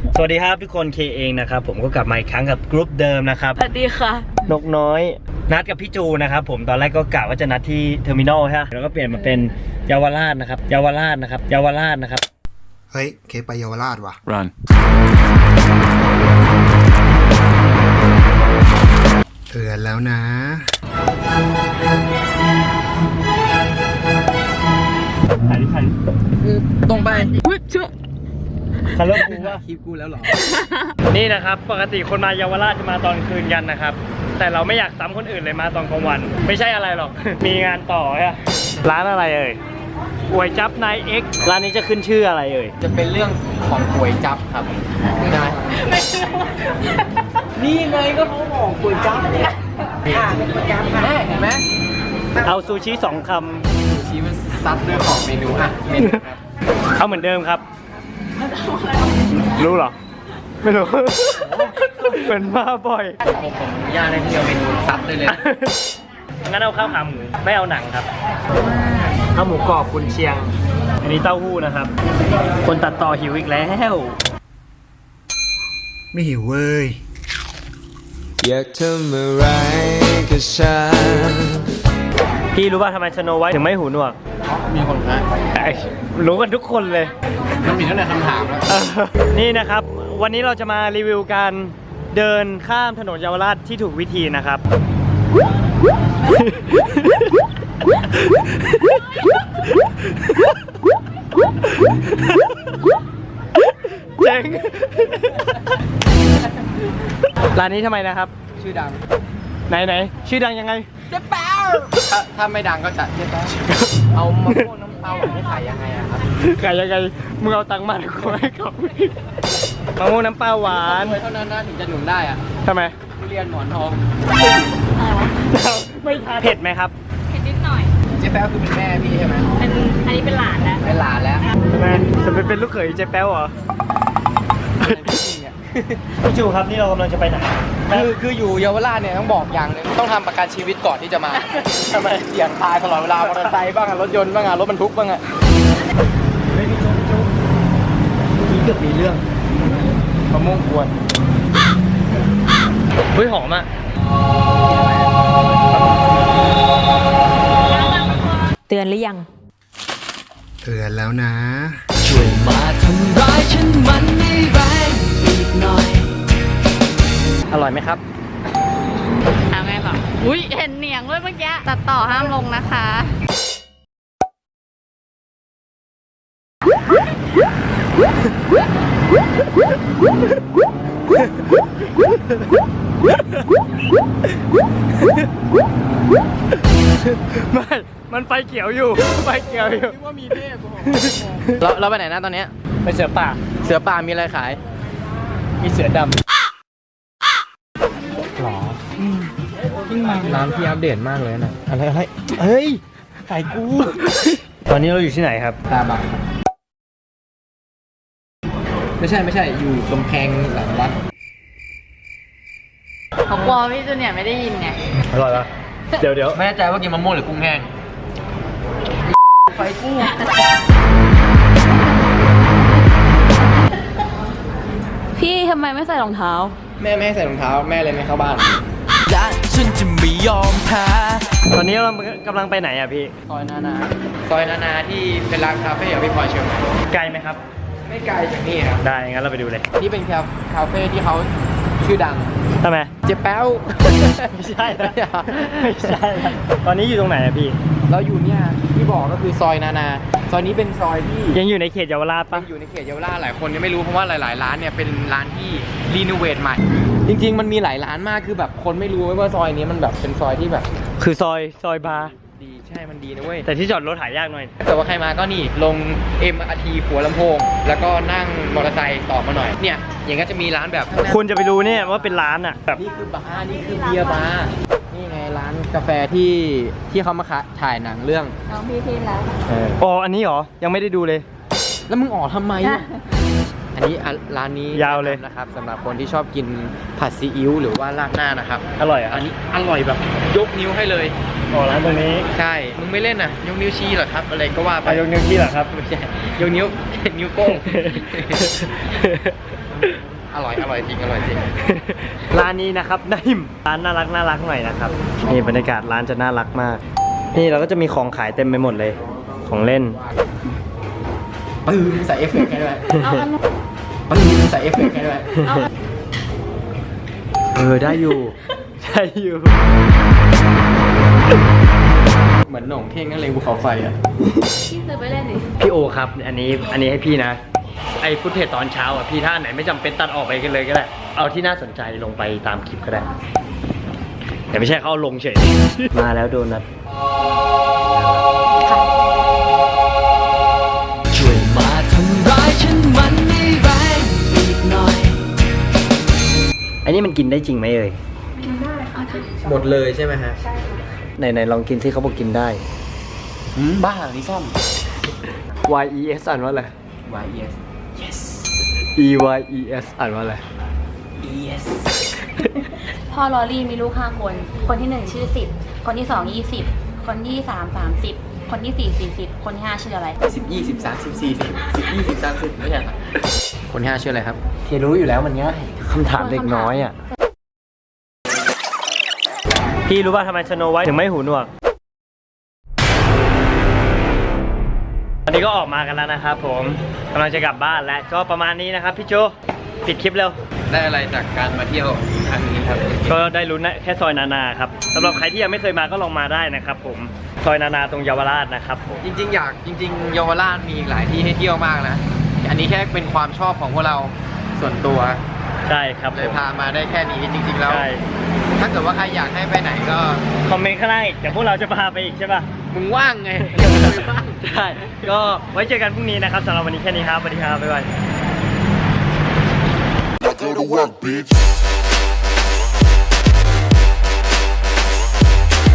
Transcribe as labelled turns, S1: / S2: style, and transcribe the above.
S1: สวัสดีครับทุกคนเคเองนะครับผมก็กลับมาอีกครั้งกับกรุ๊ปเดิมนะครับ
S2: สวัสดีค่ะ
S1: นกน้อยนัดกับพี่จูนะครับผมตอนแรกก็กะว่าจะนัดที่เทอร์มินอลใช่ไหมแล้วก็เปลี่ยนมาเป็นเยาวราชนะครับเยาวราชนะครับเยาวราชนะครับ
S3: เฮ้ยเคไปเยาวราชว่ะ
S4: Run
S3: เตือนแล้วนะ
S1: ถ่าย
S5: ตรงไป
S1: คันรถกูว่า
S5: คลิปกูแล้วหรอ
S1: นี่นะครับปกติคนมาเยาวราชจะมาตอนคืนกันนะครับแต่เราไม่อยากซ้ำคนอื่นเลยมาตอนกลางวันไม่ใช่อะไรหรอก มีงานต่อใช่ร้านอะไรเอ่ยก๋วยจั๊บนายเอ็กร้านนี้จะขึ้นชื่ออะไรเอ่ย
S5: จะเป็นเรื่องของก๋วยจั๊บครับได้นี่ไงก็เขาบอกก๋วยจั๊บเนี่ยก๋วยจั๊บแม่เห็นไหม
S1: เอาซูชิ2 ค
S5: ซูชิมันซัดด้วยของเมนูอ่ะเมนูครับ
S1: ำเอาเหมือนเดิมครับรู้เหรอไม่รู้ เป็นมาบ่อย
S5: ผมอนุญาตให้ที่เอาเมนูซัดได้เลย
S1: งั้นเอาข้าวขาหมูไม่เอาหนังครับข้าวหมูกรอบกุนเชียงอันนี้เต้าหู้นะครับคนตัดต่อหิวอีกแล้ว
S3: ไม่หิวเว้ย
S4: อยากทำอะไรกับฉัน
S1: พี่รู้ป่ะทำไมสโนไวท์ถึงไม่หูหนวก
S5: มีคนนะ
S1: รู้กันทุกคนเลย
S5: มันมีตั้งแต่คำถามแล้ว
S1: นี่นะครับวันนี้เราจะมารีวิวการเดินข้ามถนนเยาวราชที่ถูกวิธีนะครับเจ๋งร้านนี้ทำไมนะครับ
S5: ชื่อดัง
S1: ไหนชื่อดังยังไง
S5: เจ๊แป๊วถ้าไม่ดังก็จะเจ๊แป๊วเอามะม่วงน้ำเปล่าไม่ขายยังไงอะครับ
S1: ขายยังไงมึงเอาตังค์มากูให้เขามะม่วงน้ำปลาหวาน
S5: เท่านั้นนะถึงจะหนุนได้อะ
S1: ทำไม
S5: ทุเรียนหมอนทอง
S1: ไม่ทานเผ็ดไหมครับ
S2: เผ็ดนิดหน่อย
S5: เจ๊แป๊วคือเป็นแม่พี่ใช่ไหม
S2: อันนี้เป็นหลานแล้ว
S5: เป็นหลานแล้ว
S1: ทำไมจะไปเป็นลูกเขยเจ๊แป๊วเหรอพี่จูครับนี่เรากำลังจะไปไหน
S5: คืออยู่เยาวราชเนี่ยต้องบอกอย่างนึงต้องทำประกันชีวิตก่อนที่จะมาทำไมเสี่ยงตายตลอดเวลามอเตอร์ไซค์บ้างรถยนต์บ้างรถบรรทุกบ้าง
S1: ไม่พี่จูนี่เกือบมีเรื่อง
S5: มะม่วงกวน
S1: เฮ้ยหอมอ่ะ
S2: เตือนหรือยัง
S3: เตือนแล้วนะ
S4: ช่วยมาทำร้ายฉันมันไม่แรงอีกหน่อย
S1: อร่อยไหมครับ
S2: เอาไงก่อนอุ้ยเห็นเหนียงด้วยเมื่อกี้ตัดต่อห้ามลงนะคะ
S1: ไม่มันไฟเขียวอยู่ไฟเขียวอยู่
S5: คิดว่ามีเทพเราไปไหนนะตอนนี้
S1: ไปเสือป่า
S5: มีอะไรขาย
S1: มีเสือดำหรอ
S5: ร้านที่อัปเดตมากเลยนะ
S1: อะไรเฮ้ยขายกูตอนนี้เราอยู่ที่ไหนครับ
S5: ตาบักไม่ใช่อยู่กำแพงหลังวัด
S2: เขากลัวพี่จูเนียร์ไม่ได้ยินไง
S1: อร่อยปะเดี๋ยว
S5: ไม่แน่ใจว่ากินมะม่วงหรือกุ้งแห้งไฟกุ้ง
S2: พี่ทำไมไม่ใส่รองเท้า
S5: แม่ไม่ให้ใส่รองเท้าแม่เลยไม่เข้าบ้าน
S4: และฉันจะไม่ยอมแพ้
S1: ตอนนี้เรากำลังไปไหนอ่ะพี่
S5: ซอยนานาที่เป็นร้านคาเฟ่ของพี่พลอยเชียงใหม่
S1: ไกลไหมครับ
S5: ไม่ไกลจากนี่ครับ
S1: ได้งั้นเราไปดูเลย
S5: นี่เป็นคาเฟ่ที่เขาชื่อดัง
S1: ทำไม
S5: เจ๊แป๊ว
S1: ไม่ใช่ไม่ใช่ตอนนี้อยู่ตรงไหนอะพี่
S5: เราอยู่เนี่ยที่บอกก็คือซอยนานาซอยนี้เป็นซอยที่
S1: ยังอยู่ในเขตเยาวราชปะ
S5: อยู่ในเขตเยาวราชหลายคนยังไม่รู้เพราะว่าหลายๆร้านเนี่ยเป็นร้านที่รีโนเวทใหม่จริงๆมันมีหลายร้านมากคือแบบคนไม่รู้ว่าซอยนี้มันแบบเป็นซอยที่แบบ
S1: คือซอยบาร์
S5: ดีใช่มันดีนะเว้ย
S1: แต่ที่จอดรถหายากหน่อย
S5: แต่ว่าใครมาก็นี่ลง MRT หัวลำโพงแล้วก็นั่งมอเตอร์ไซค์ต่อมาหน่อยเนี่ยอย่างก็จะมีร้านแบบ
S1: คุณจะไปรู้เนี่ยว่าเป็นร้านอ่ะแบบ
S5: นี่คือบาร์นี่คือเบียร์บาร์นี่ไงร้านกาแฟที่เขามาถ่ายหนังเรื่อง
S2: น้องพี่ทีแล้ว
S1: อ๋ออันนี้เหรอยังไม่ได้ดูเลย
S5: แล้วมึงออกทำไมอันนี้ร้านนี้
S1: ยาวเลย
S5: นะครับสำหรับคนที่ชอบกินผัดซีอิ๊วหรือว่าราดหน้านะครับ
S1: อร่อยอ่ะ
S5: อันนี้อร่อยแบบยกนิ้วให้เลย
S1: อ๋อร้านตรงนี้
S5: ใช่มึงไม่เล่นอ่ะยกนิ้วชี้เหรอครับอะไรก็ว่าไป
S1: ยกนิ้วชี้เหรอครับ
S5: ไม่ใช่ยกนิ้วโป้งอร่อยจริงอร่อยจริง
S1: ร้านนี้นะครับนาฮิมร้านน่ารักหน่อยนะครับนี่บรรยากาศร้านจะน่ารักมาก นี่เราก็จะมีของขายเต็มไปหมดเลยของเล่น
S5: ปื้มใส่เอฟเฟกต์ให้ด้วย
S2: เอาอันนู้น
S5: ปื้มใส่เอฟเฟกต์ให้ด้วย
S2: เอาอัน
S1: ได้อยู่ ได้อยู่
S5: เหมือนหน่งเท่งนั่นเลยภูเขาไฟอ่ะ
S2: พี่ซื้อไปเล่นดิ
S1: พี่โอครับอันนี้ให้พี่นะไอ้ฟุตเทจตอนเช้าอ่ะพี่ถ้าไหนไม่จำเป็นตัดออกไปกันเลยก็ได้เอาที่น่าสนใจลงไปตามคลิปก็ได้แต่ไม่ใช่เขาเอาลงเฉย มาแล้วโดนัท
S4: ช่วยมาทำร้ายฉันมันให้แรงอีกหน่อย
S1: อันนี้มันกินได้จริงไหมเอ่ย
S5: หมดเลยใช่ไหมฮะ
S1: ไหนลองกินที่เขาบอกกินได้
S5: บ้านี่ซ่อม
S1: Y E S อ่านว่าอะไร
S5: YES yes
S1: E Y E S อ่านว่าอะไร
S5: yes
S2: พ่อลอรี่มีลูก5 คน คนที่ 1 ชื่อ 10 คนที่ 2 20 คนที่ 3 30 คนที่ 4 40 คนที่ 5 ชื่ออะไร
S5: 10 20 30 40 10 20 30ไม่ใช่ครับคนที่ 5ชื่ออะไรครับ
S1: เทรู้อยู่แล้วมันง่ายคำถามเด็กน้อยอ่ะ พี่รู้ป่ะทำไมสโนไวท์ถึงไม่หูหนวก วันนี้ก็ออกมากันแล้วนะครับผมกำลังจะกลับบ้านแล้วก็ประมาณนี้นะครับพี่โจปิดคลิปเร็ว
S5: ได้อะไรจากการมาเที่ยวครั้งนี้ครับ
S1: ก็ได้รู้นะแค่ซอยนานาครับสำหรับใครที่ยังไม่เคยมาก็ลองมาได้นะครับผมซอยนานาตรงเยาวราชนะครับผม
S5: จริงๆเยาวราชมีอีกหลายที่ให้เที่ยวมากนะ อันนี้แค่เป็นความชอบของพวกเราส่วนตัว
S1: ใช่ครับ
S5: เลยพามาได้แค่นี้จริงๆแล้ว
S1: ใช่
S5: ถ้าเกิดว่าใครอยากให้ไปไหนก็
S1: คอมเมนต์ข้างล่างอีกเดี๋ยวพวกเราจะพาไปอีกใช่ป่ะ
S5: มึงว่างไง
S1: ใช่ก็ไว้เจอกันพรุ่งนี้นะครับสำหรับวันนี้แค่นี้ครับสวัสดีครับบ๊ายบาย
S6: Now go to work, bitch.